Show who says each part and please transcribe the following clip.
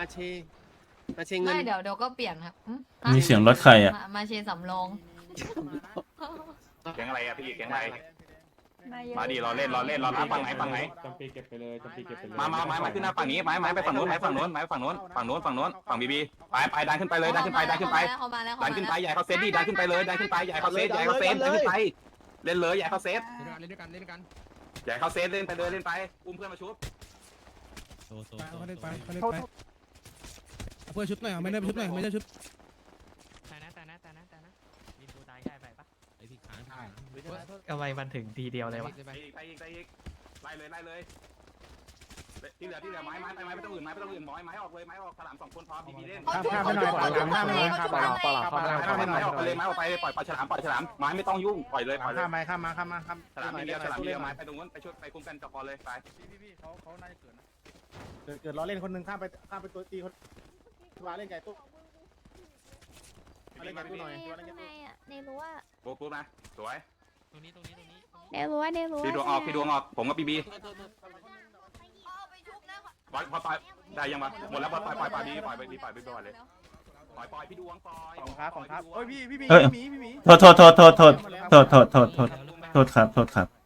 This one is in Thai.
Speaker 1: มาเชเงิน
Speaker 2: ไม่เดี๋ยวก็เปลี่ยนครับ
Speaker 3: มีเสียงรถใครอ่ะ
Speaker 2: มาเชสำรอง
Speaker 4: แก๊งอะไรอะพี่แก๊งอะไรมาดิรอเล่นรอรับฝั่งไหน
Speaker 5: จำปีเก็บไปเลยจำปีเก็บไปเลย
Speaker 4: มาขึ้นหน้าฝั่งนี้ไม้ไปฝั่งนู้นฝั่งบีไปดันขึ้นไปเลยดันขึ้นไป
Speaker 2: เขามาแล้ว
Speaker 4: ดันขึ้นไปใหญ่เขาเซตดิดันขึ้นไปเลยดันขึ้นไปใหญ่เขาเซตดันขึ้นไปเล่นเลยใหญ่เขาเซต
Speaker 1: เล่นด้วยกัน
Speaker 4: ใหญ่เขาเซตเล่นไปเลยเล่นไปอุ้มเพื่อนมาชุบ
Speaker 6: เขาเล่นไปเพื่อชุดหน่อยไม่ได้ชุดหน่อยไม่ได้ชุด
Speaker 7: แต่นะดินดูตายง่ายไปปะ
Speaker 6: ไอ้ที่ขา
Speaker 7: ทำไมมันถึงทีเดียวเลยวะ
Speaker 4: ไปอีกไล่เลยที่เหลือไม้ไม่ต้องอื่นไม้ออกเลยไม้ออกสลาม2คนพอบีเล่น
Speaker 2: ข้ามไปหน่อยข้ามไปหน่อยข้ามไปหน่อย
Speaker 4: ไม้ออกไปเลยไม้ออกไปปล่อยฉลามไม้ไม่ต้องยุ่งปล่อยเลย
Speaker 1: ข้ามมา
Speaker 4: ฉลามเดียวไม้ไปตรงนู้นไปช่วยไปคุมกันจับพอเลยไป
Speaker 1: พี่เขาน่าจะเกิดนะเกิดล้อเล่นคนนึงข้ามไปตัวตีคนมาเล่นไก่ตุ๊กเล่นไก่ตุ๊กหน่อย
Speaker 8: ข้างในอ่ะในรั้ว
Speaker 4: ปุ๊บนะสวย
Speaker 7: ตรงนี้
Speaker 8: ในรั้ว
Speaker 4: พี่ดวงออกผมกับบีปล่อยได้ยังวะหมดแล้วปล่อยบีปล่อยไปเลยปล่อยพี่ดวงปล่อย
Speaker 1: ของครับโอ้ยพี่หมี
Speaker 3: โทษครับ